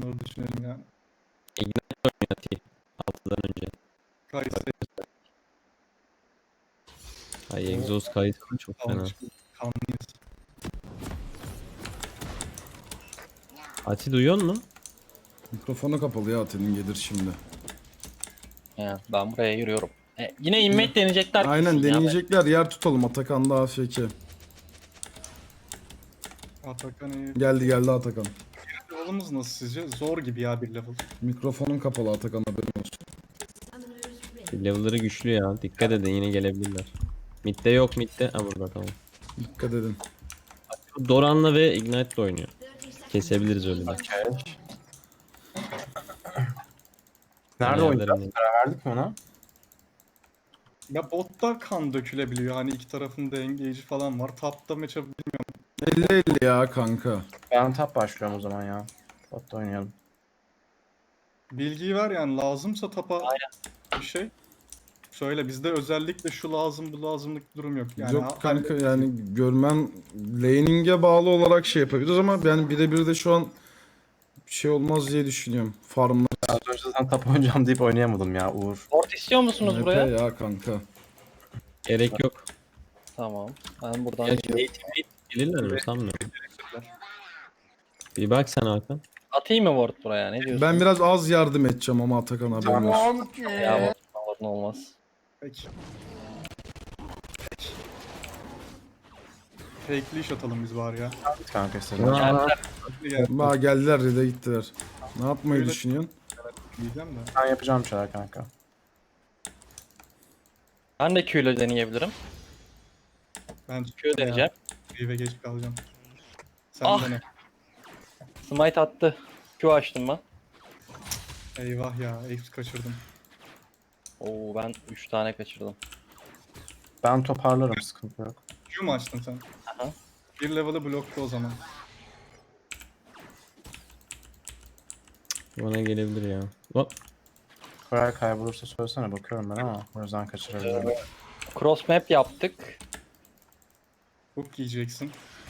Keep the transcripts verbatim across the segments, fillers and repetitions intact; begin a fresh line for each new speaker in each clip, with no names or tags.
Onları düşünelim yani.
Ignite oynuyor T. altıdan önce.
Kayısı
Ay egzoz kaydı çok fena.
kalmış. Kanlıyız.
Ati duyuyor musun?
Mikrofonu kapalı ya, Atin'in gelir şimdi.
Ya, ben buraya yürüyorum. E, yine inmek deneyecekler.
Aynen
kesin ya.
deneyecekler, yer tutalım. Atakan da A F K.
Atakan iyi.
Geldi geldi Atakan.
Level'ımız nasıl sizce? Zor gibi ya bir level.
Mikrofonun kapalı Atakan, haberin olsun.
Level'ları güçlü ya. Dikkat edin yine gelebilirler. Mid'de yok mid'de. Ha burada tamam.
Dikkat edin.
Doran'la ve Ignite'le oynuyor. Kesebiliriz öyle de.
Okay. Nerede
Ayarlarım
oynayacağız?
yani.
Karar verdik mi ona?
Ya botta kan dökülebiliyor. Hani iki tarafın da engage'i falan var. Top'ta match'e
elli elli ya kanka.
Ben top başlıyorum o zaman ya. Botta oynayalım.
bilgiyi ver yani. Lazımsa tapa bir şey. Söyle bizde özellikle şu lazım bu lazımlık durum yok. Yani
Yok
ha-
kanka,
hallederiz.
yani görmem laning'e bağlı olarak şey yapabiliriz ama yani birebir de şu an bir şey olmaz diye düşünüyorum. Farmlar
Az önce zaten top oynayacağım deyip oynayamadım ya Uğur.
Port istiyor musunuz
M P
buraya?
ya kanka.
Gerek yok.
Tamam. Ben buradan
Ya,
gidiyorum.
gelirler mi sanmıyorum. Bir bak sen Hakan.
Atayım mı ward buraya? Ne diyorsun?
Ben biraz az yardım edeceğim ama Atakan, haberin olsun.
Ya ward, ward ne olmaz.
Peki. Fake leash atalım biz var ya.
Git kanka istedim.
Ya.
Geldiler.
Gel
Ba geldiler, red'e gittiler. Ne yapmayı
Öyle-
düşünüyorsun?
diyeceğim de.
Ben yapacağım bir şeyler kanka.
Ben de Q ile deneyebilirim.
Ben
Q deneyeceğim.
Rive geç kalacağım. Sen
Ah!
dene.
Smite attı. Q açtım ben.
Eyvah ya. Ace kaçırdım.
Oo ben üç tane kaçırdım.
Ben toparlarım, sıkıntı yok.
Q mu açtın sen?
Aha.
Bir level'ı blokta o zaman.
Bana gelebilir ya. Hop.
Koray kaybolursa söylesene, bakıyorum ben ama o yüzden kaçırabilirim.
Cross map yaptık.
Hook yiyeceksin.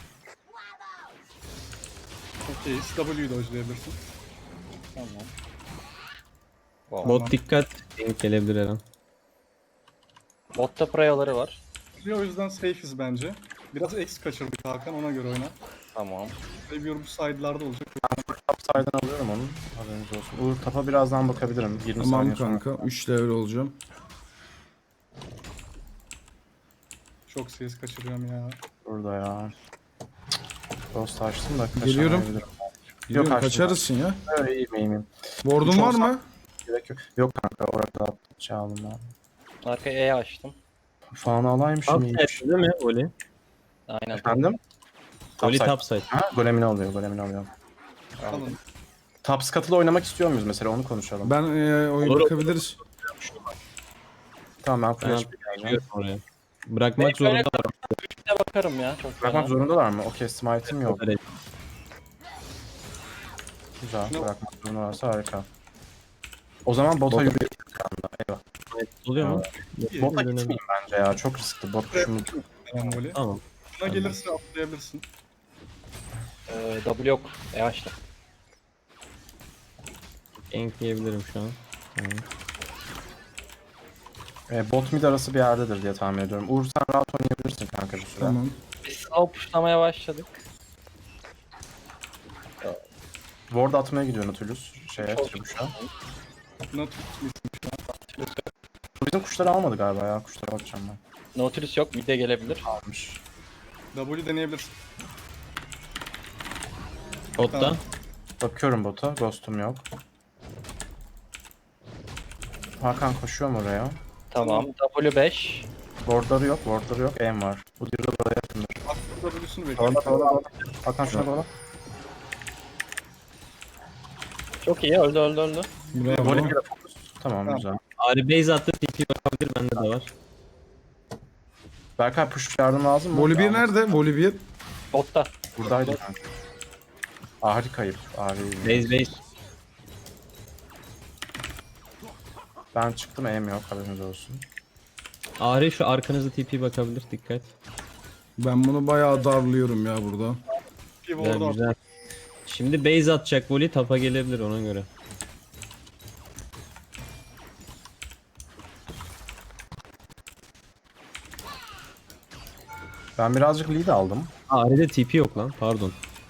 Okey. W'yu da dodge'layabilirsin.
Tamam.
Tamam.
Bot dikkat. Denk gelebilir her an.
Botta prayaları var.
O yüzden safe'iz bence. Biraz X kaçırdık Hakan, ona göre oyna.
Tamam.
Savior bu side'larda olacak.
Top side'dan alıyorum onu. Haberiniz olsun. Uğur tapa birazdan bakabilirim. yirmi
Tamam
saniye sonra.
kanka, üç level olacağım.
Çok CS kaçırıyorum ya.
Burada ya. Ghost açtım da
Geliyorum.
kaçamayabilirim.
Biliyorum,
açtım.
kaçarısın ya.
Öyle iyiyim iyiyim.
Ward'un
Hiç
var
olsa-
mı?
Gerek yok. Yok kanka, orada şey aldım ben.
Arkaya E açtım.
Falan alaymışım
Topside
iyiymiş.
değil mi Oli?
Aynen.
Efendim?
Oli
Topside.
topside.
Ha, golemini alıyor, golemini alıyor.
Alın.
Top scuttle'ı oynamak istiyor muyuz mesela, onu konuşalım.
Ben e, oyun
Olur,
bakabiliriz.
Tamam, ben
Ben
flash bir geleceğim.
çıkıyorum oraya. Bırakmak
Ben böyle-
zorunda var.
Bir de bakarım ya. Çok
Bırakmak
fena.
zorundalar mı? Okey, smite'im yok.
Evet.
Güzel,
Yok.
bırakmak zorundalarsa harika. O zaman bota
Bota-
yürüyelim kanka. Eyvah.
Oluyor mu?
Bota
Dönelim.
gitmeyeyim bence ya, çok riskli. Bot şunu...
Tamam voley.
Tamam.
Buna gelirse atlayabilirsin.
Ee, W yok. E açtım.
Gank yiyebilirim şu an. Tamam.
E, bot mid arası bir yerdedir diye tahmin ediyorum. Uğur sen rahat oynayabilirsin kanka bir süre.
Tamam.
Biz slow pushlamaya başladık.
Ward atmaya gidiyor Nautilus. Şeye,
Çok
Tribuş'a.
Buna tut.
Bizim kuşları almadı galiba ya. Kuşlara bakacağım ben.
Nautilus yok. Mid'e gelebilir.
Almış.
W deneyebilirsin.
Botta.
Tamam.
Bakıyorum bota. Ghost'um yok. Hakan koşuyor mu oraya?
Tamam. W beş.
Wardları yok, wardları yok. Aim var. Bu diril oraya yakındır.
Atlı W'sunu bekliyorum.
Kovala kovala kovala. Hakan şuna kovala.
Çok iyi. Öldü öldü öldü.
Bravo.
Voley bir de fokus. Tamam,
Tamam.
güzel.
Ari base attı. T P bakabilir. Bende de var.
Berkay push yardım lazım mı?
Voli bir
Almış.
nerede? Voli bir.
Botta.
Buradaydı kanka. Ahri kayıp. Ahri.
Base base.
Ben çıktım, aim yok, haberiniz olsun.
Ari şu arkanızda T P bakabilir. Dikkat.
Ben bunu bayağı darlıyorum ya burada.
Bir
Güzel
ward at.
güzel. Şimdi base atacak Voli, tapa gelebilir ona göre.
Ben birazcık lead aldım.
Aa, Ahri'de T P yok lan, pardon.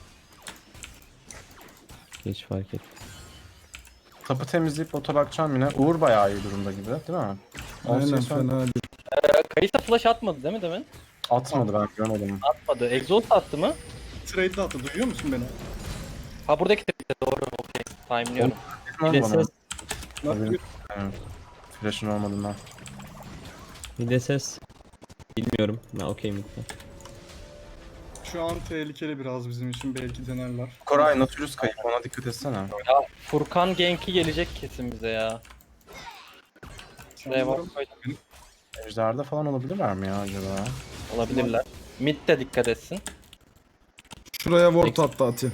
Geç fark et.
Tapı temizleyip bota bakacağım yine. Uğur bayağı iyi durumda gibi değil mi? on
Aynen
C S
fena değil.
Kayısa flash atmadı değil mi demin?
atmadı, ben görmedim.
Atmadı. Exhaust attı mı?
Trade'de attı. Duyuyor musun beni?
Ha buradaki de doğru. Okey. Timeliyorum.
Bir de
Bana.
ses.
Nasıl?
Evet. Flash'ın olmadığından.
Bir de ses. Bilmiyorum. Ben okey mi?
Şu an tehlikeli biraz bizim için. Belki denerler.
Koray Nautilus kayıp, ona dikkat etsene.
Ya Furkan Genki gelecek kesin bize ya. Şuraya bak koydum.
Ejder'de falan olabilirler mi ya acaba?
Olabilirler. Mid de dikkat etsin.
Şuraya ward attı Ati.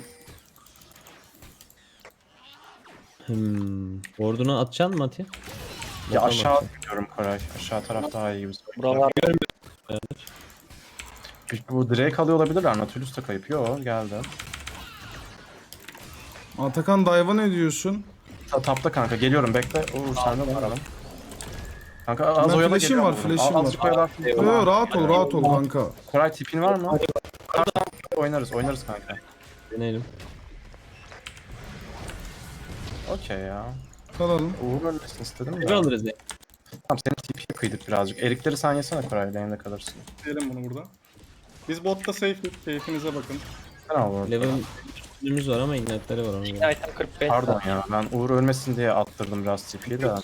Hmm. Ward'unu atacaksın mı Ati?
Ya
Bota
aşağı
bak.
gidiyorum Koray. Aşağı taraf daha iyi gibi.
Buralar
Bu Drake alıyor olabilirler. Nautilus da kayıp. Yo geldi.
Atakan dive'a ne diyorsun?
Ta tapta kanka geliyorum bekle. Uğur sen de bakalım. Kanka az
Ben
oyala
flash'im
geliyorum.
var, flash'im
Az- Azıcık
var.
oyalar.
Yo, yo, rahat ol rahat ol kanka.
Koray tipin var mı? Oynarız oynarız kanka.
Deneyelim.
Okey ya.
Kalalım.
Uğur ölmesin istedim
Bir
de.
alırız ya.
Tamam senin tipiye kıydık birazcık. Erikleri sen yesene Koray, lane'de kalırsın.
Diyelim bunu burada. Biz botta safe. Keyfinize bakın.
Sen al Uğur.
Level üstümüz var ama ignite'leri var ona göre.
item kırk beş.
Pardon ya, ben Uğur ölmesin diye attırdım biraz tipiyi de.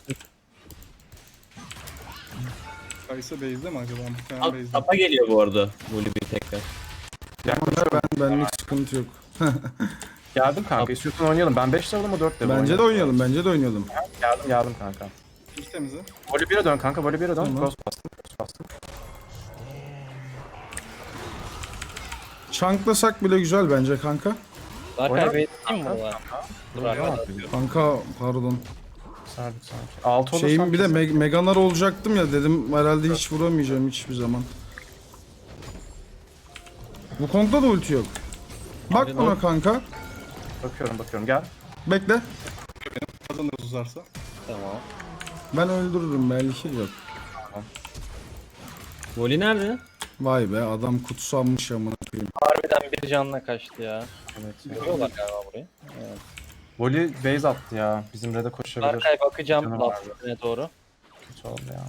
Kaysa base'de mi acaba? Muhtemelen
Al,
base'de.
tapa geliyor bu arada. Voli bir tekrar.
Ben benlik sıkıntı yok.
Geldim kanka, istiyorsan oynayalım. Ben beş level ama dört level
Bence de oynayalım, bence de oynayalım.
Geldim geldim kanka.
İlk temize.
Voli bire dön kanka, voli bire dön.
Tamam.
Cross bastım, cross bastım.
Çanklasak bile güzel bence kanka.
Daha
Oynar
kaybettim mi burada? Dur arkadaşlar.
Kanka pardon.
Sardık sanki. Altı olursam
Şeyim bir de
kesin-
Meg Meganar olacaktım ya dedim herhalde hiç vuramayacağım hiçbir zaman. Bu Kong'da da ulti yok. Bak
Abi,
buna
ne-
kanka.
Bakıyorum bakıyorum gel.
Bekle.
Kazanırız uzarsa.
Tamam.
Ben öldürürüm belki yok.
Voli nerede?
Vay be adam kutsanmış amına koyayım.
Harbiden bir canla kaçtı ya.
Evet.
Görüyorlar galiba burayı.
Voli base attı ya. Bizim red'e koşabilir.
Arkaya bakacağım
Canım
lafına doğru.
Kötü oldu ya.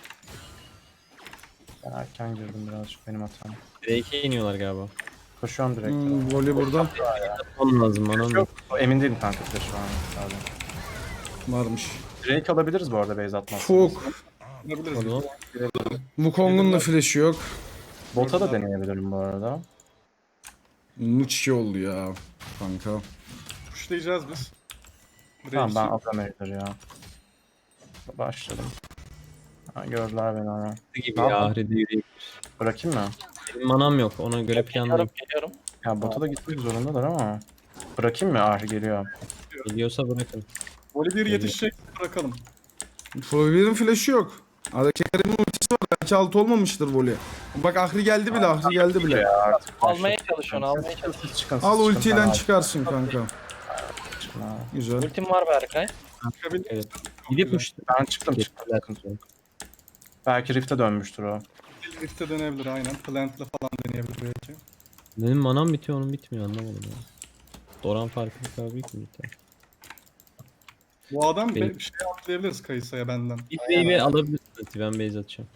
Ben erken girdim birazcık, benim hatam.
Drake'e iniyorlar galiba.
Koşuyorum direkt.
Hmm, voley burada
Onun lazım bana mı?
Yok, emin değilim kanka bir de şu an. Pardon.
varmış.
Drake alabiliriz bu arada base atmazsanız.
Fuk.
Yapabiliriz.
Pardon.
Wukong'un da flash'ı yok.
Bota da deneyebilirim bu arada.
Muçi oldu ya kanka.
Pushlayacağız biz.
Tamam ben
Reis'i-
atıyorum herifleri ya. Başladım. Ha, gördüler beni ama.
Gibi
Ne
ya
yapalım?
Ahri'de yürüyeyim.
Bırakayım mı?
Benim manam yok, ona göre planlayayım.
Geliyorum geliyorum.
Ya bota da gitmek zorundalar ama. Bırakayım mı? Ahri geliyor.
Geliyorsa bırakın.
Voli bir yetişecek bırakalım.
Flavir'in flash'ı yok. Adaki Kerim'in ultisi var. Belki altı olmamıştır voley. Bak Ahri geldi bile, Ahri geldi bile.
Ya artık
Almaya çalışıyorsun almaya
Siz
çalışıyorsun.
çıkın, siz
Al
çıkın,
ultiyle
ben
çıkarsın kanka.
çıkın ha.
Güzel.
Ultim var Berkay.
Çıkabilir.
Evet.
Çok
Gidip
güzel.
uçtu.
Ben çıktım çıktım. sıkıntı yok. Belki Rift'e dönmüştür o.
Rift'e dönebilir aynen. Plant'la falan deneyebilir belki.
Benim manam bitiyor, onun bitmiyor, anlamadım ya. Doran farkı bu kadar büyük mü biter?
Bu adam
Benim-
bir şey atlayabiliriz Kayısa'ya benden.
Bir wave'i alabilirsiniz, ben base atacağım.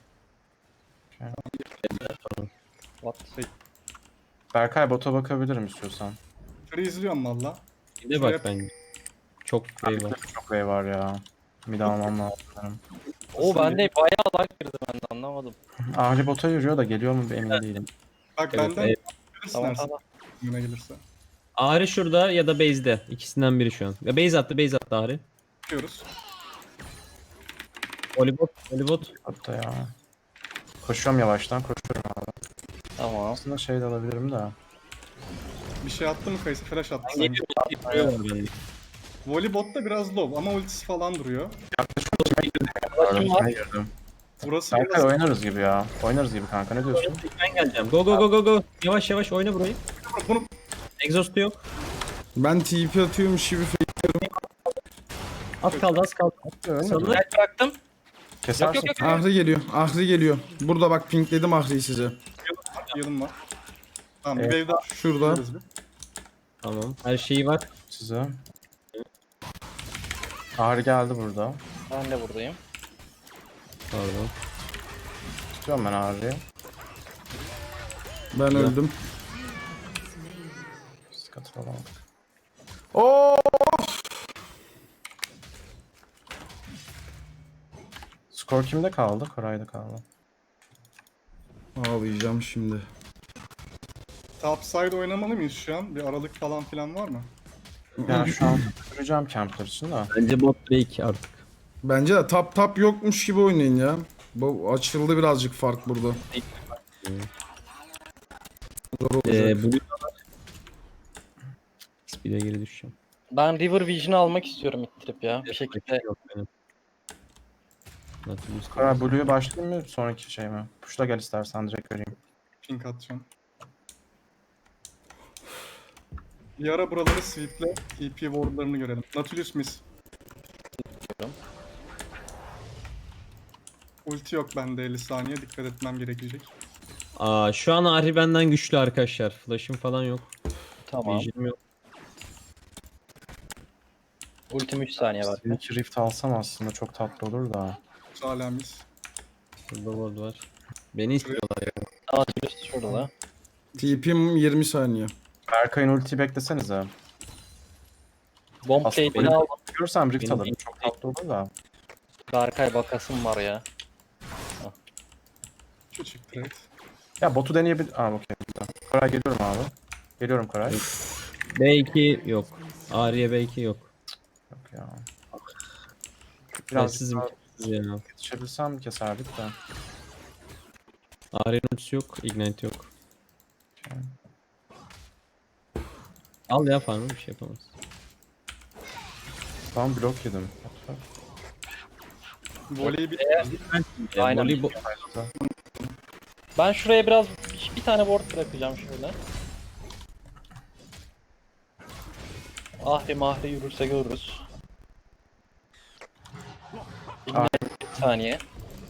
What?
Berkay bota bakabilirim istiyorsan.
Freeze'liyorum valla.
Bir de bak bence. Çok wave var.
Çok way var ya. Bir daha almam lazım. benim.
O bende bayağı lag girdi ben de anlamadım.
Ahri bota yürüyor da geliyor mu emin değilim.
Bak
Evet,
benden
evet.
bilirsin
Tamam
Ersin.
tamam.
Yine gelirse.
Ahri şurada ya da base'de. İkisinden biri şu an. Ya base attı, base attı Ahri.
Bakıyoruz.
Volleybot, volleybot.
Botta ya. Koşuyorum yavaştan, koşuyorum abi.
Tamam.
Aslında şey de alabilirim de.
Bir şey attı mı Kayısa? Flash attı
Ben
sanki.
geliyorum, titriyor bende.
Volleybot da biraz low ama ultisi falan duruyor.
Ulaşım var.
Ben girdim.
Burası
Berkay
biraz...
oynarız gibi ya. Oynarız gibi kanka, ne diyorsun?
Ben geleceğim. Go go go go go. Yavaş yavaş oyna burayı.
Bunu
Exhaust'u yok.
Ben T P atıyormuş gibi
Az kaldı az kaldı. Sanırım
Gel bıraktım.
Kesersin.
Yok yok yok.
Ahri geliyor. Ahri geliyor. Burada bak pinkledim Ahri'yi size.
Yılım var. Tamam bir
Evet.
wave daha
Şurada.
yapıyoruz bir.
tamam. Her şeyi var.
Size. Ağrı geldi burada.
Ben de buradayım.
Pardon.
Tutuyorum ben Ağrı'yı.
Ben öldüm.
Sıkıntı olamadık.
Oo!
Skor kimde kaldı? Koray'da kaldı.
Ağlayacağım şimdi.
Topside oynamalı mıyız şu an? Bir aralık falan filan var mı?
Yani şu an göreceğim campler için de.
Bence bot break artık.
Bence de tap tap yokmuş gibi oynayın ya. Bu açıldı birazcık fark burada. Zor olacak.
Ee, Blue Speed'e geri düşeceğim.
Ben River Vision'ı almak istiyorum ittirip ya. Bir şekilde.
Yok benim. Nautilus
Koray Blue'ya başlayayım mı? Sonraki şey mi? Push'la gel istersen direkt vereyim.
Pink atacağım. Bir ara buraları sweeple T P wardlarını görelim. Nautilus miss. Ulti yok bende elli saniye. Dikkat etmem gerekecek.
Aa, şu an Ahri benden güçlü arkadaşlar. Flash'ım falan yok.
Tamam.
Vision'ım yok.
Ultim üç saniye var.
İki Rift alsam aslında çok tatlı olur da.
Hala miss.
Burada ward var. Beni istiyorlar ya.
Nautilus şurada.
T P'm yirmi saniye.
Berkay'ın ultiyi beklesenize.
Bomb
Aslında
plate'ini aldım.
Görsem Rift
Benim
alırım.
ilk-
Çok tatlı olur da.
Berkay bakasım var ya.
Küçük trade.
Ya botu deneyebilir... Aa okey. güzel. Koray geliyorum abi. Geliyorum Koray.
B iki yok. Ahri'ye B iki yok.
Yok ya.
Biraz
Biraz
sizin
daha
ya.
yetişebilsem keserdik de.
Ahri'nin ultisi yok. Ignite yok. Al ya farmı bir şey yapamaz.
Tam blok yedim.
Voleyi bir
Ya,
Aynen.
voleybol-
Ben şuraya biraz bir, bir tane ward bırakacağım şöyle. Ahri mahri yürürse görürüz.
Ahri.
Bir saniye.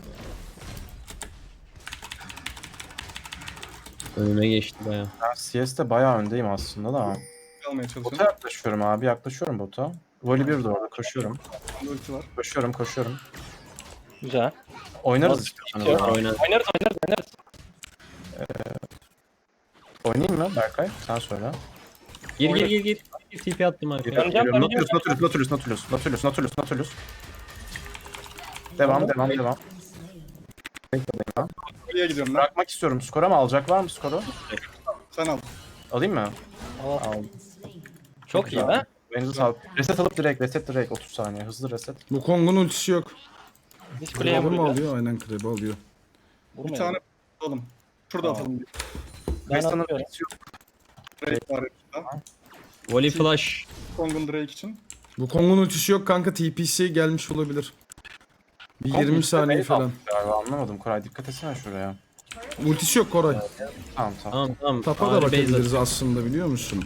Önüme geçti baya.
Ben C S'te bayağı öndeyim aslında da.
almaya
Bota
çalışıyorum.
yaklaşıyorum abi. Yaklaşıyorum bota. Voli bir de orada. Koşuyorum.
Bende ulti var.
Koşuyorum koşuyorum.
Güzel.
Oynarız
Nasıl
istiyorsanız.
bitiyor?
abi.
Oynar.
Oynarız oynarız oynarız.
Oynayayım mı Berkay? Sen söyle.
Gir gir gir gir. Bir T P attım arkaya.
Döneceğim,
Geliyorum.
döneceğim.
Nautilus, Nautilus, Nautilus, Nautilus, Nautilus, Nautilus, Nautilus. Devam, devam, devam.
Buraya gidiyorum ben.
Bırakmak istiyorum. Skora mı alacak? Var mı skoru?
Sen al.
Alayım mı?
Al.
Aldım.
Çok iyi be.
Elinize sağlık. Reset alıp direkt, reset direkt. otuz saniye. Hızlı reset.
Bu Kong'un ultisi yok.
Biz kuleye
Krab'ı mı
vuracağız.
alıyor? Aynen Krab'ı alıyor.
Bir
Vurmayalım.
tane alalım. Şurada
Tamam.
atalım.
Ben
Restanın
atıyorum.
etkisi yok.
Drake var yanında.
Volley flash.
Kong'un Drake için.
Bu Kong'un ultisi yok kanka. T P'si gelmiş olabilir. Bir
Kong
yirmi
ultide
saniye
base
falan.
almış Galiba anlamadım. Koray dikkat etsene şuraya.
Ultisi yok Koray.
Tamam tamam.
Tamam tamam.
Tapa da
Ahri base
bakabiliriz aslında biliyor musun?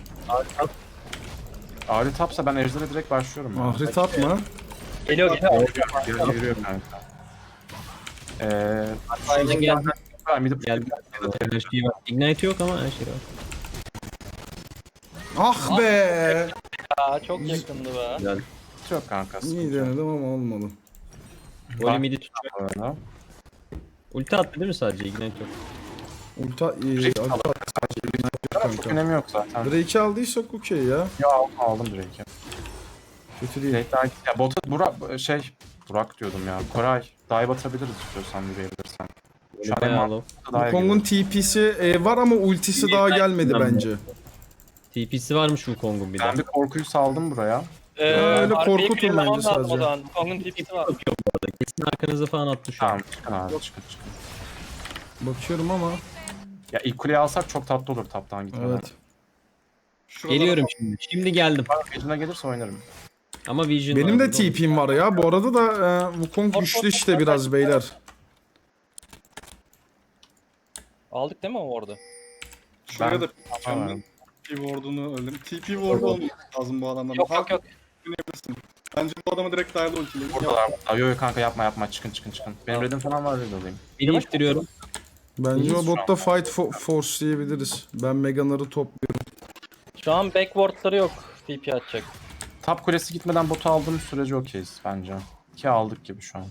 Ahri tapsa ben Ejder'e direkt başlıyorum. ya.
Ahri tap mı?
Geliyor geliyor.
Yürü- Yürüyorum kanka. Eee...
atıyor. Geldi.
Koray midip
Geldi. Her şey var. Ignite yok ama her şey var.
Ah be!
Aa, çok yakındı be.
Güzel.
yok kanka.
İyi
sıkıntı yok.
denedim ama olmadı.
Volley midi tutacak.
Bu arada.
Ulti attı değil mi sadece? Ignite yok.
Ulta iyi.
Rift
Ulta
alır. Çok
kanka.
önemi yok zaten.
Drake'i aldıysak okey ya.
Ya aldım, aldım Drake'i.
Kötü değil.
Drake daha... Ya bota Burak şey... Burak diyordum ya. Koray. Dive atabiliriz istiyorsan yürüyebilirsen. Şu an
Bayağı
en
low.
mantıklı daha
Bu Kong'un T P'si e, var ama ultisi daha gelmedi bence.
T P'si varmış Wukong'un bir de.
Ben bir korkuyu saldım buraya.
Ee,
öyle
arkayı
korkutun
clearlamam
bence
lazım
sadece.
O zaman. Kong'un tipisi var.
Yok yok bu arada. Kesin arkanıza falan attı şu an.
Tamam çıkın abi çıkın çıkın.
Bakıyorum ama.
Ya ilk kuleyi alsak çok tatlı olur taptan gitmeden.
Evet.
Şurada
Geliyorum şimdi. Şimdi geldim.
Vision'a gelirse oynarım.
Ama Vision
Benim
var
de T P'm var ya. Bu arada da e, Wukong güçlü işte biraz beyler.
Aldık değil mi o orada?
Şuraya da
Tamam.
ben. T P ward'unu öldüm. T P ward'u olması lazım bu adamların.
Yok yok yok.
Oynayabilirsin. Bence bu adamı direkt dive'la ultileyin.
Buradalar. Aa, yo yo kanka yapma yapma çıkın çıkın çıkın. Benim redim falan var red alayım.
Beni ittiriyorum.
Bence
İyiyiz
o
şu
botta
an.
fight fo- force diyebiliriz. Ben Megan'ları topluyorum.
Şu an backwardları yok. T P atacak.
Top kulesi gitmeden botu aldığımız sürece okeyiz bence. Ki aldık gibi şu an.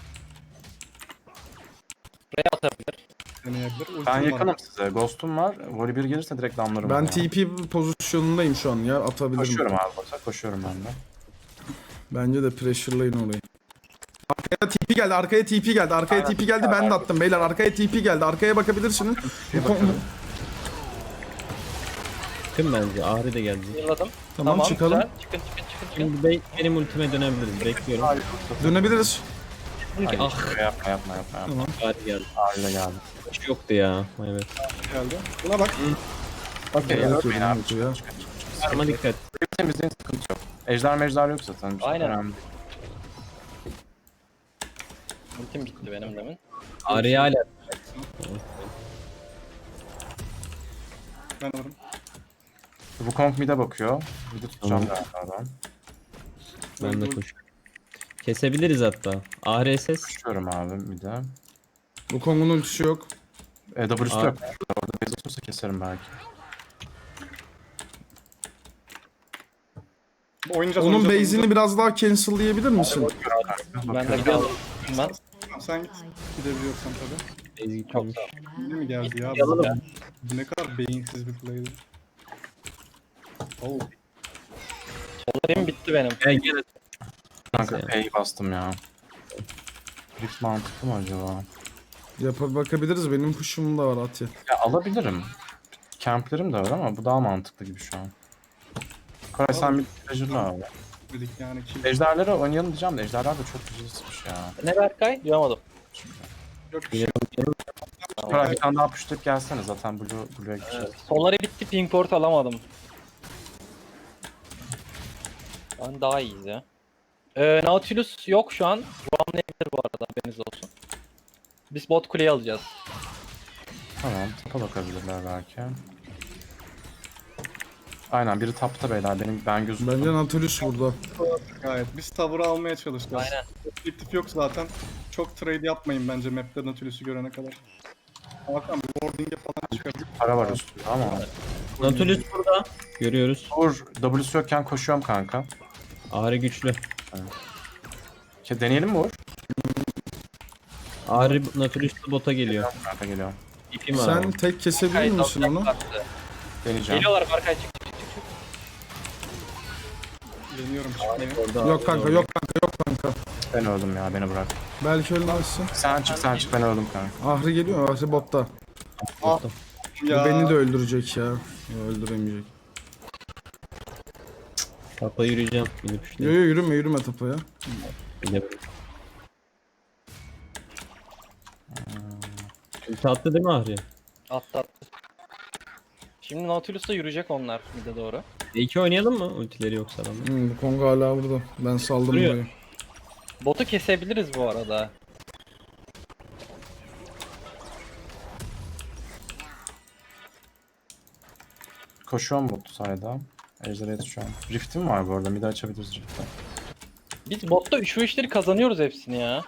Ray atabilir.
Deneyebilir. Ultim
Ben
var.
yakınım size. Ghost'um var. Voli bir gelirse direkt damlarım.
Ben
oraya.
T P pozisyonundayım şu an ya, atabilirim.
Koşuyorum abi bota. Koşuyorum ben de.
Bence de pressure'layın orayı. Arkaya T P geldi, arkaya T P geldi, arkaya
Aynen.
T P geldi, ben de attım beyler. Arkaya T P geldi, arkaya bakabilirsiniz. Bu konu-
Çıkın bence. Ahri de geldi.
Yılladım.
Tamam, çıkalım.
Güzel. Çıkın çıkın çıkın çıkın.
Şimdi be- benim ultime dönebiliriz. Bekliyorum.
Dönebiliriz.
Ay, ah.
Yapma yapma yapma. yapma.
Ahri geldi.
Aile geldi.
Hiç yoktu ya. Evet.
Geldi. Buna bak.
Okey
Evet,
ölmeyin abi.
evet, ya.
Ama dikkat.
Temizliğin sıkıntı yok. Ejder mejder yok zaten. Çok
Aynen.
önemli.
Ultim gitti benim demin.
Ahri hala.
Ben alırım.
Wukong mid'e bakıyor. Mid'i tutacağım
Tamam.
galiba ben.
Ben de koşuyorum. Kesebiliriz hatta. Ahri S S.
Koşuyorum abi mid'e.
Bu Kong'un ultisi yok.
E, W'su
Aa.
yok. Orada base olursa keserim belki.
Oynayacağız.
Onun
oynayacağız,
base'ini biraz daha cancel'layabilir misin?
Ben de gidiyorum. Ben
oynayacağız. Sen git. Gidebiliyorsan tabii.
Base
çok
gitmemiş.
sağ ol.
Şimdi mi geldi ya?
Yalalım.
Bu, bu ne kadar beyinsiz bir play'di. Oh.
Solarım bitti benim.
Gel gel.
Kanka
Neyse.
P'yi bastım ya. Rift mantıklı mı acaba?
Yapa bakabiliriz, benim push'um da var Atya.
Ya alabilirim. Camplerim de var ama bu daha mantıklı gibi şu an. Koray sen bir treasure'la abi.
Dedik yani ki.
Ejderlere oynayalım diyeceğim de ejderler de çok güzel sıkmış ya.
Ne Berkay? Duyamadım.
Yok bir şey. yok.
Koray bir tane daha pushlayıp gelsene zaten Blue, Blue'ya gideceğiz.
Soları bitti. Pink port alamadım. Ben daha iyiyiz ya. Ee, Nautilus yok şu an. Roamlayabilir bu arada, haberiniz olsun. Biz bot kuleyi alacağız.
Tamam tapa bakabilirler belki. Aynen biri tapta beyler benim ben gözüm.
Bence Nautilus burada.
Gayet. Biz tavırı almaya çalışacağız.
Aynen.
Objektif yok zaten. Çok trade yapmayın bence map'te Nautilus'u görene kadar. Hakan bir warding'e falan çıkabilir.
Para var üstünde ama.
Nautilus burada. Görüyoruz.
Vur W'su yokken koşuyorum kanka.
Ahri güçlü.
Ke deneyelim mi Uğur?
Ahri Nautilus bota geliyor.
Kanka geliyorum.
İpim var.
Sen tek kesebilir
Berkay
misin onu?
dalacaklar size.
Deneyeceğim.
Geliyorlar Berkay, çık çık çık çık.
Deniyorum çıkmaya.
Orada
Yok kanka, yok kanka, yok kanka.
Ben öldüm ya beni bırak.
Belki ölmezsin.
Sen çık sen çık ben öldüm kanka.
Ahri geliyor, Ahri botta.
Ah.
Bu
Ya.
beni de öldürecek ya. Ya öldüremeyecek.
Tapa yürüyeceğim. Gidip
Yo
işte.
yo, yürüme yürüme tapaya.
Gidebilirim. Ulti attı değil mi Ahri?
Attı attı. Şimdi Nautilus'ta yürüyecek onlar mid'e doğru.
E iki oynayalım mı? Ultileri yoksa adamın.
Hmm, bu Kong hala burada. Ben saldım
Duruyor.
burayı.
Botu kesebiliriz bu arada.
Koşuyorum bot sayda. Ejder'e yetişiyorum. Rift'im var bu arada. Mid açabiliriz Rift'te.
Biz botta üç ve üçleri kazanıyoruz hepsini ya.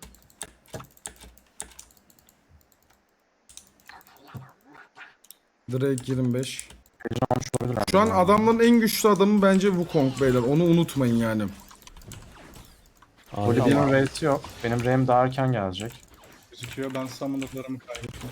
Drake yirmi beş.
Almış olabilirler.
Şu an adamların en güçlü adamı bence Wukong beyler. Onu unutmayın yani.
Ahri
Böyle
tamam.
benim R'si yok. Benim R'm daha erken gelecek.
Gözüküyor. Ben summoner'larımı kaybettim.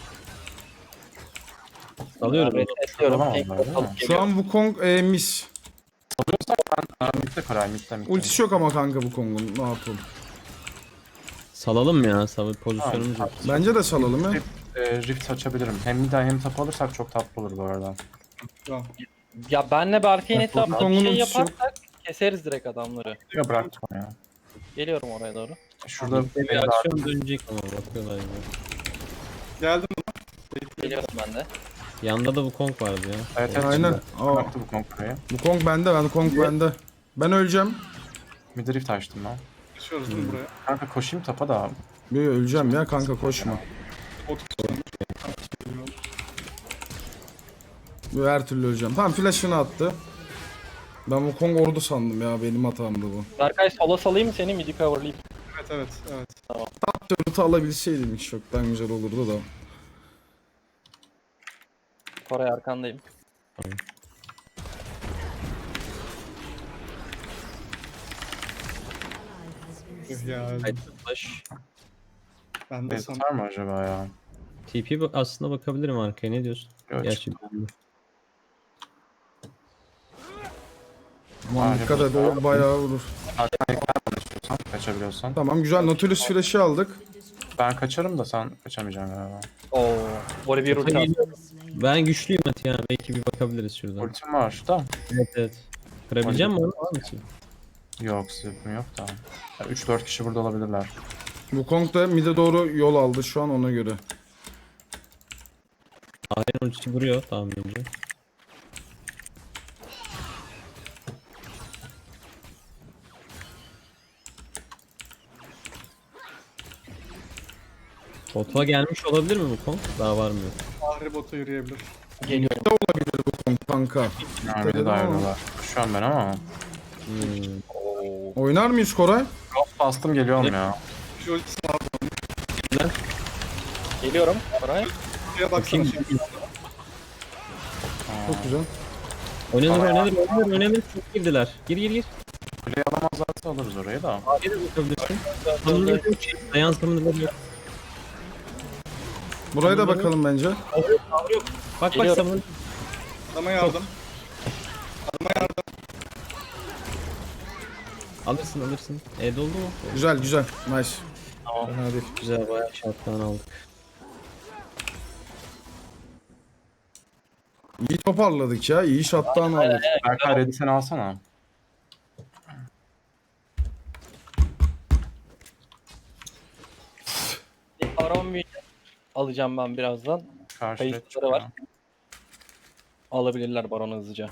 Alıyorum.
Ben resetliyorum.
Tamam,
Pink
tamam,
port
tamam.
alıp
Şu
geliyorum.
an Wukong e, mis.
Aa, mid'de Koray mid'de mid'de.
Ultisi yok ama kanka Wukong'un. Ne yapalım?
Salalım ya. Savı pozisyonumuz yok.
Bence de salalım ya.
Ee, Rift açabilirim. Hem mid hem tap alırsak çok tatlı olur bu arada.
Tamam.
Ya benle Berkay'ın
Bak,
etrafında bir
Wukong'un
şey
ultisi yok.
yaparsak keseriz direkt adamları.
Ya bıraktım ya.
Geliyorum oraya doğru.
Şurada
Bir
beni daha
aksiyon dönecek ama bakıyorlar gibi.
Geldim.
Geliyorum ben de.
Yanda da Wukong vardı ya.
Evet evet.
Aynen.
şimdi.
Aa,
Bıraktı bu konkurayı.
Wukong bende, ben Wukong bende. Ben öleceğim.
Mid Rift açtım ben.
Geçiyoruz değil mi buraya?
Kanka koşayım tapa da.
Yo, yo, öleceğim ya kanka, koşma.
Bot
Böyle her türlü öleceğim. Tamam flash'ını attı. Ben Wukong ordu sandım ya, benim hatamdı bu.
Berkay sola salayım mı seni midi coverlayayım?
Evet evet evet.
Turret'ı alabilseydim hiç çoktan güzel olurdu da.
Koray arkandayım.
Üh ya öldüm.
Haydi flash.
Ben de
Base
sana
atar mı acaba ya?
T P bak- aslında bakabilirim arkaya, ne diyorsun?
Yok,
Gerçi
çıkma.
Aman
Aynen.
dikkat et, o bayağı vurur.
Sen kaçabiliyorsan.
Tamam güzel, Nautilus flash'ı aldık.
Ben kaçarım da sen kaçamayacaksın galiba.
Oo. Böyle bir ulti attı.
ben güçlüyüm Ati ya, belki bir bakabiliriz şuradan.
Ultim var da.
Evet evet. Kırabileceğim mi onu? Var mısın?
Yok zıpım yok da. üç dört kişi burada olabilirler.
Wukong da mid'e doğru yol aldı şu an, ona göre.
Ahri'nin ultisi vuruyor tahminimce. Bot'a gelmiş olabilir mi bu konu? Daha var mı?
Ahri bota yürüyebilir.
Geliyorum.
Wukong kanka.
Mermide de ayrılıyorlar. Şu an ben ama.
Hmm.
Oo.
Oynar mıyız Koray?
Ghost bastım geliyorum ya.
Şu ultisi var.
Geliyorum. Koray.
Şuraya baksana şimdi.
Çok güzel.
Oynanır oynanır oynanır oynanır. Çok girdiler. Gir gir gir.
Kuleyi alamazlarsa alırız orayı da.
Ahri'ye de bakabilirsin. Sanırım yok. Dayan sanırım yok.
Buraya da bakalım bence.
Bak bak
Geliyorum.
sanırım.
Adama yardım. Adama yardım.
Alırsın alırsın. E doldu mu?
Güzel güzel. Nice.
Tamam.
Fena değil.
Güzel bayağı şarttan aldık.
İyi toparladık ya. İyi shot'tan aldık.
Berkay ready sen alsana.
Bir Baron bir alacağım ben birazdan.
Karşı red
Kayıtları
çıkıyor.
var. Alabilirler Baron'u hızlıca.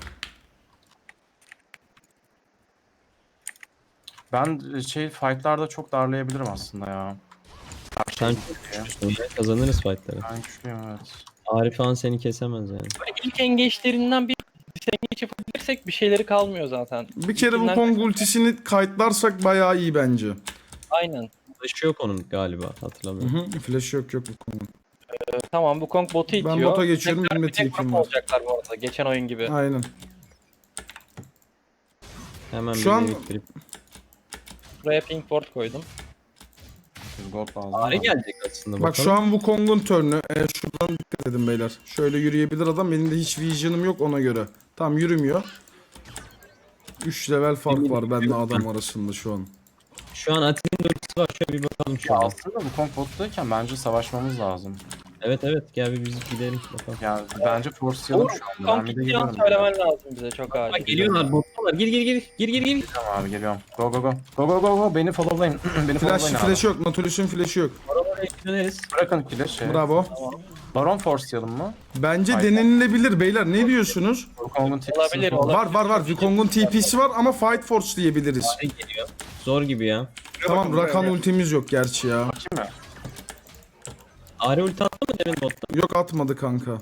Ben şey fightlarda çok darlayabilirim aslında ya.
Sen çok güçlüsün. Kazanırız fightları.
Ben güçlüyüm evet.
Arif falan seni kesemez yani.
Böyle ilk engage'lerinden bir engageç yapabilirsek bir şeyleri kalmıyor zaten.
Bir kere
İlkinden-
Wukong ultisini kayıtlarsak bayağı iyi bence.
Aynen.
Flash'ı yok onun galiba,
Hı
hatırlamıyorum.
hı. Flash yok yok Wukong'un.
Ee, tamam bu Kong botu itiyor.
Ben bota geçiyorum,
Tekrar
benim de
bir tek
TP'm
grup
var.
olacaklar bu arada. Geçen oyun gibi.
Aynen.
Hemen
Şu
bir
an-
biriktirip.
Buraya pink board koydum.
Gold lazım.
Ari
ama.
gelecek aslında
Bak
bakalım.
şu an Wukong'un turn'ü. E, şuradan dikkat edin beyler. Şöyle yürüyebilir adam. Benim de hiç vision'ım yok ona göre. Tam yürümüyor. üç level fark var benimle adam arasında şu an.
Şu an Ati'nin ultisi var, şöyle bir bakalım
Ya
şurada.
aslında bu Kong bottayken bence savaşmamız lazım.
Evet evet, gel bir biz gidelim bakalım.
Yani bence forcelayalım
Olur.
şu anda. Ben
Kong
bir de
gittiği an
geliyorum.
söylemen lazım bize çok acil.
Bak geliyorlar, bottalar. Gir gir gir. Gir gir gir.
Tamam abi geliyorum. Go go go. Go go go go. Beni followlayın. Beni
Flash,
followlayın abi.
flash yok. Nautilus'un flash'ı yok.
Oraya döneriz.
Bırakın kill'i şey.
Bravo.
Baron forcelayalım mı?
Bence
Aynen.
denenilebilir beyler. Ne diyorsunuz?
Kong'un tipsi.
Olabilir, olabilir.
Var var var. Wukong'un T P'si var ama Fight Force diyebiliriz.
Ari geliyor. Zor gibi ya.
Şuraya
Tamam
bakın, buraya
Rakan
gel.
ultimiz yok gerçi ya.
Bakayım mı?
Ari ulti attı mı demin botta?
Yok atmadı kanka.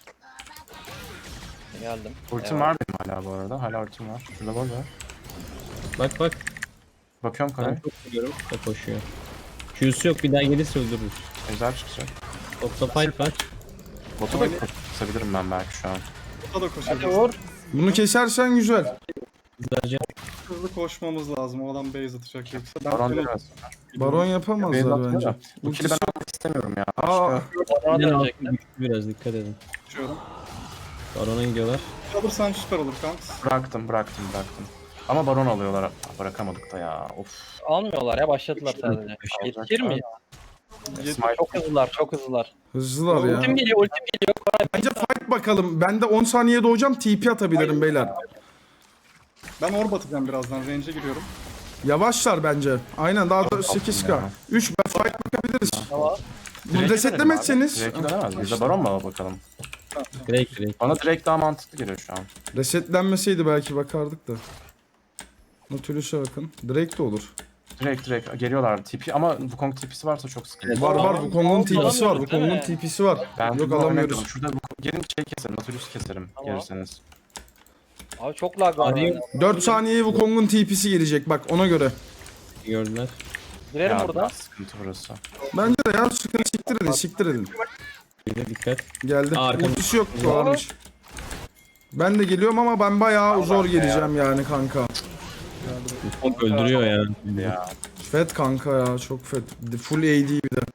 Geldim.
Ultim var benim hala bu arada. Hala ultim var. Şurada var var.
Bak bak.
Bakıyorum
Ben
karayı.
çok biliyorum. O koşuyor. Q'su yok, bir daha gelirse öldürürüz.
Ejder çıkacak.
Topta fight var.
Botu da kısabilirim ben belki şu an.
Bota da
Hadi
koşabiliriz.
vur.
Bunu kesersen güzel.
Güzelce.
Hızlı koşmamız lazım. O adam base atacak yoksa. Ben
Baron
ben
biraz.
Baron
Beyaz
yapamazlar
atıyor
bence.
da. Bu kill'i ben almak istemiyorum ya.
Aa,
Başka-
Baron'a
Yine altı
dönecekler.
güçlü biraz, dikkat edin.
koşuyorum.
Baron'a gidiyorlar.
Alırsan süper olur kanks.
Bıraktım bıraktım bıraktım. Ama baron alıyorlar. Bırakamadık da ya. Of.
Almıyorlar ya başladılar sadece. Yetişir mi?
Smite.
Çok hızlılar çok hızlılar.
hızlılar ya.
Ultim geliyor ultim geliyor. Koray
Bence fight bakalım. Ben de on saniye doğacağım. T P atabilirim beyler.
Ben orb atacağım birazdan. Range'e giriyorum.
Yavaşlar bence. Aynen daha da sekiz K.
ya.
üç ben fight bakabiliriz.
Tamam.
Bunu resetlemezseniz.
Drake'i dönemez. Biz de baron mu bakalım?
Direkt direkt.
Bana Drake daha mantıklı geliyor şu an.
Resetlenmeseydi belki bakardık da. Nautilus'a bakın. Drake de olur.
Drake Drake geliyorlar. Tipi ama bu Kong tipisi varsa çok sıkıntı.
Var var
Tamam.
Wukong'un T P'si var.
Alamıyoruz,
Wukong'un
değil mi?
T P'si var.
Ben
Yok
bunu
alamıyoruz.
oynamıyorum. Şurada bu gelin şey keserim. Nautilus keserim.
Tamam.
Gelirseniz.
Abi çok lag var.
Arayayım.
bende.
dört saniyeye Wukong'un T P'si gelecek bak ona göre.
Gördüler.
Girelim
Ya
buradan.
biraz sıkıntı burası.
Bence de ya sıkıntı siktir edin siktir edin.
Bir de dikkat.
Geldi.
Aa, arkamda.
Ultisi yok varmış. Ben de geliyorum ama ben bayağı zor geleceğim yani kanka.
Çok öldürüyor ya.
Ya
Fed kanka ya çok fed. Full A D bir de.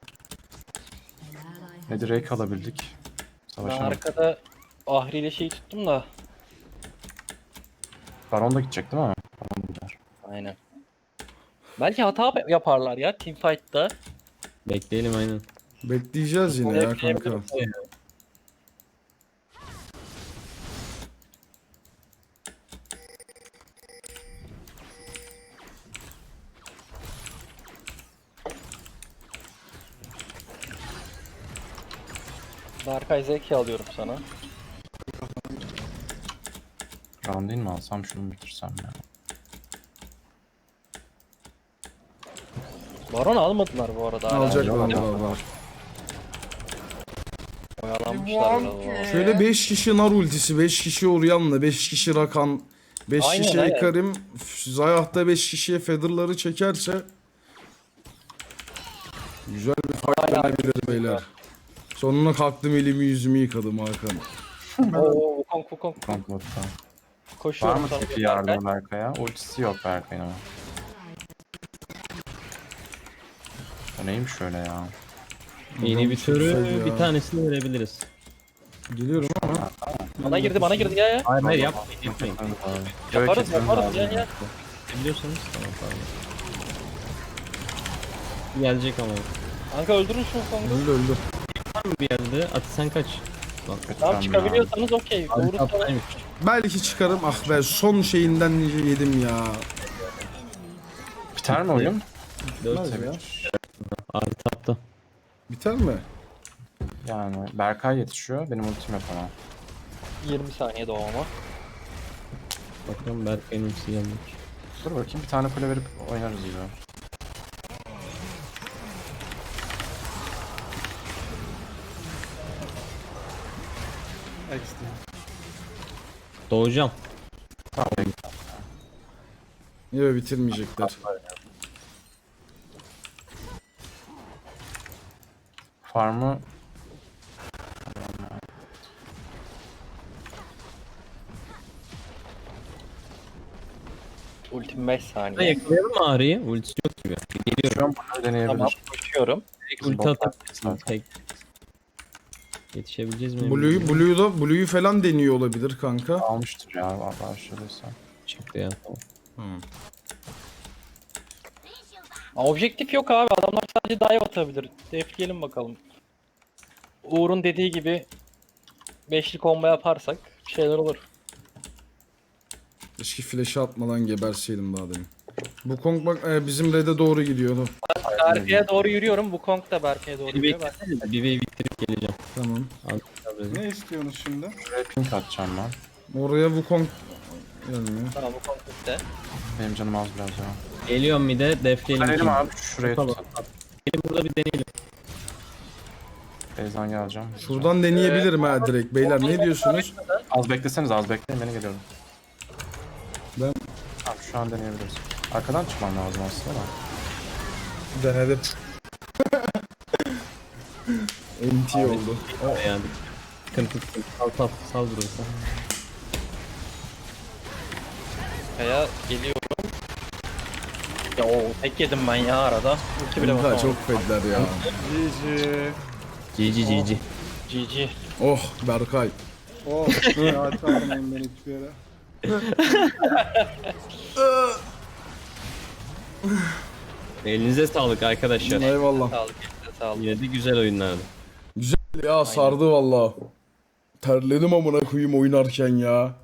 ne direkt alabildik.
Ben
Savaşamadık.
arkada Ahri ile şeyi tuttum da.
Baron da gidecek değil mi? Baron gider.
Aynen. Belki hata yaparlar ya teamfight'ta.
Bekleyelim aynen.
Bekleyeceğiz yine ya kanka.
Berkay Zeki alıyorum sana.
Baron değil mi alsam şunu mu bitirsem ya.
Baron almadılar bu arada. hala.
Alacaklar
yok.
var var.
Oyalanmışlar biraz.
Şöyle beş kişi nar ultisi, beş kişi Orion'la, beş kişi Rakan, beş
Aynen,
kişi
aynen.
Ekarim, Zayah'ta beş kişiye Feather'ları çekerse güzel bir fight dönebilir beyler. Sonuna kalktım elimi yüzümü yıkadım Hakan.
Oo Wukong Wukong.
Kontrol. Var
Koşuyorum
mı
sana.
tipi yardım Berkay'a? Ultisi yok Berkay'ın ama. O neymiş öyle ya?
Yeni bir
Çok
türü
fed ya.
bir tanesini verebiliriz.
Geliyorum ama
Bana girdi bana girdi ya ya.
Hayır hayır yapmayın yapmayın.
Yaparız yaparız ya ya.
Biliyorsanız tamam tamam. Gelecek ama.
Kanka öldürün şu Wukong'u.
öldü öldü.
Var mı bir yerde? At sen kaç. Bak.
Tamam çıkabiliyorsanız okey.
Abi
Vurursanız.
taptaymış.
Belki çıkarım. Ah be son şeyinden yedim ya.
Biter mi oyun?
Dört
Bitmez ya.
Abi tapta.
Biter mi?
Yani Berkay yetişiyor. Benim ultim yok ama.
yirmi saniye doğama.
Bakalım Berkay'ın ultisi gelmiş.
Dur bakayım bir tane kule verip oynarız gibi.
X D.
Doğacağım.
Tamam.
Yok bitirmeyecekler.
Farmı
Ultim beş
Ha,
saniye.
yakalayalım mı Ağrı'yı? Ultisi yok gibi. Geliyorum.
şu an bunu deneyebilir.
Tamam koşuyorum.
Tek ulti
botlar
atabilirsin.
zaten.
Tek. Yetişebileceğiz mi?
Blue'yu Blue'yu Blue'yu falan deniyor olabilir kanka.
Almıştır ya başladıysa.
Çıktı ya. Tamam.
Aa, objektif yok abi. Adamlar sadece dive atabilir. Defleyelim bakalım. Uğur'un dediği gibi beşli combo yaparsak bir şeyler olur.
Keşke flash'ı atmadan geberseydim daha demin. Bu Kong bak e, bizim red'e doğru gidiyordu.
Berke'ye doğru yürüyorum. Wukong da Berke'ye doğru
Bir
yürüyor. Ben...
beklesene. Bir wave bitirip geleceğim.
Tamam.
Ne istiyorsunuz şimdi?
Şuraya pink atacağım ben.
Oraya Wukong gelmiyor.
Tamam Wukong bitti.
Benim canım az biraz ya.
Geliyorum bir de defleyelim.
Deneyelim
şimdi.
abi şuraya
Tamam.
tutalım.
Gelin burada bir deneyelim.
Beyzden geleceğim.
Şuradan deneyebilirim ha direkt. Beyler ne diyorsunuz?
Az bekleseniz az bekleyin beni geliyorum.
Ben
Tamam şu an deneyebiliriz. Arkadan çıkmam lazım aslında da.
denedim. N T oldu.
Yani. Sıkıntı sıkıntı. Sal sal. Sal burası.
Kaya geliyorum. Ya o tek yedim ben ya arada. Ulti bile
Kanka
basamadım.
çok fedler ya.
G G.
G G G G.
G G.
Oh Berkay.
Oh, ya çağırmayın beni hiçbir yere.
Elinize sağlık arkadaşlar.
Eyvallah.
Sağlık. elinize Sağlık.
Yine de güzel oyunlardı.
Ya sardı valla. Terledim amına koyayım oynarken ya.